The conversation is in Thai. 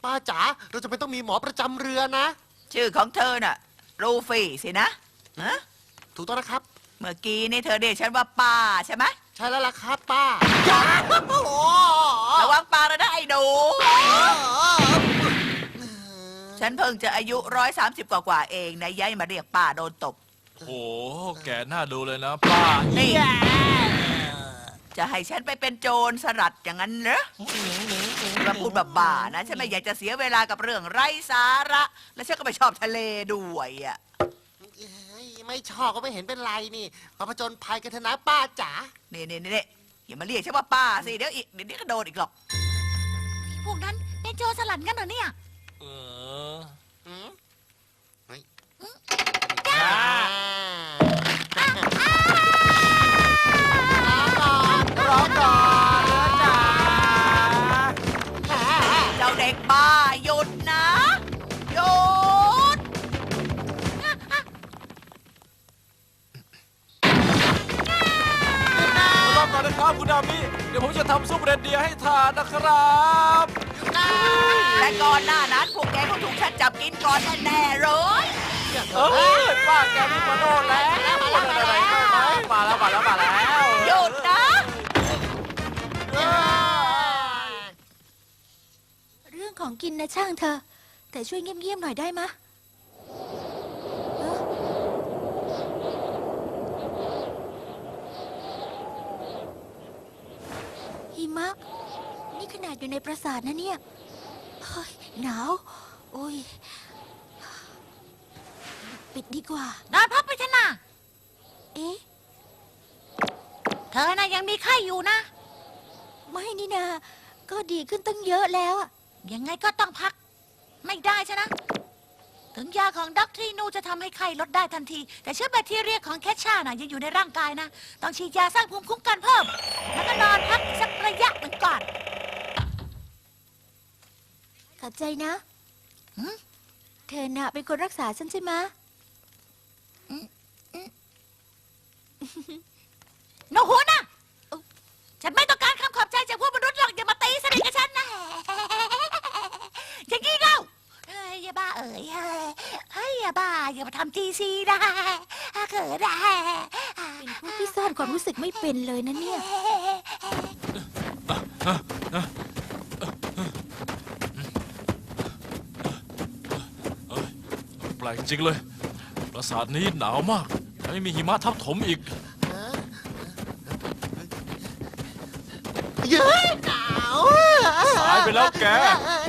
ป้าจ๋าเราจะไม่ต้องมีหมอประจำเรือนะชื่อของเธอน่ะรูฟี่สินะฮะถูกต้องนะครับเมื่อกี้นี่เธอเรียกฉันว่าป้าใช่ไหมใช่แล้วล่ะครับป้าจ๋าโอ้โหระวังปากเลยนะไอ้หนูฉันเพิ่งจะอายุ130กว่าเองนะย้ายมาเรียกป้าโดนตบโอ้โหแกน่าดูเลยนะป้านี่จะให้ฉันไปเป็นโจรสลัดอย่างนั้นเหรอมาพูดแบบบ้านะฉันไม่อยากจะเสียเวลากับเรื่องไร้สาระ และฉันก็ไม่ชอบทะเลด้วยอ่ะไม่ชอบก็ไม่เห็นเป็นไรนี่มาผจญภัยกันเถอะนะป้าจ๋านี่อย่ามาเรียกฉันว่าป้าสิเดี๋ยวนี้ก็โดนอีกหรอกพวกนั้นเป็นโจรสลัดกันเหรอเนี่ยเอออืมเฮ้ยจ้าร้องก่อนจ๋าเจ้าเด็กบ้าหยุดนะหยุดรอก่อนนะครับคุณดามิเดี๋ยวผมจะทำซุปเรนเดียร์ให้ทานนะครับและก่อนหน้านั้นพวกแกก็ถูกฉันจับกินก่อนแน่ๆเลยป้าแกมีมาโน่นแล้วมาแล้วหยุดนะเรื่องของกินนะช่างเธอ แต่ช่วยเงียบๆหน่อยได้มะเอ้อหิมะ นี่ขนาดอยู่ในปราสาทนะเนี่ยเฮ้ยหนาว โอ้ย ปิดดีกว่านอนพักไปเถอะนะเอ๊ะเธอน่ะยังมีไข้อยู่นะไม่นี่นา ก็ดีขึ้นตั้งเยอะแล้วอะยังไงก็ต้องพัก ไม่ได้ใช่นะ ถึงยาของด็อกทรีนูจะทำให้ไข้ลดได้ทันที แต่เชื้อแบคทีเรียของแคชชาน่ะยังอยู่ในร่างกายนะ ต้องฉีดยาสร้างภูมิคุ้มกันเพิ่ม แล้วก็นอนพักสักระยะหนึ่งก่อนขอบใจนะหืมเธอน่ะเป็นคนรักษาฉันใช่ไหมะโนหัวนะฉันไม่ต้องการคำขอบใจจากพวกมนุษย์หรอกอย่ามาตีสนิทกับฉันนะอย่างนี้เล่าเฮ้ยอย่าบ้าเอ๋ยเฮ้ยอย่าบ้าอย่ามาทำจีซีนะเกิดได้เป็นพวกที่ซ่อนความรู้สึกไม่เป็นเลยนะเนี่ยแปลกจริงเลยปราสาทนี้หนาวมากและไม่มีหิมะทับถมอีกเย้ยหนาวสายไปแล้วแกเออ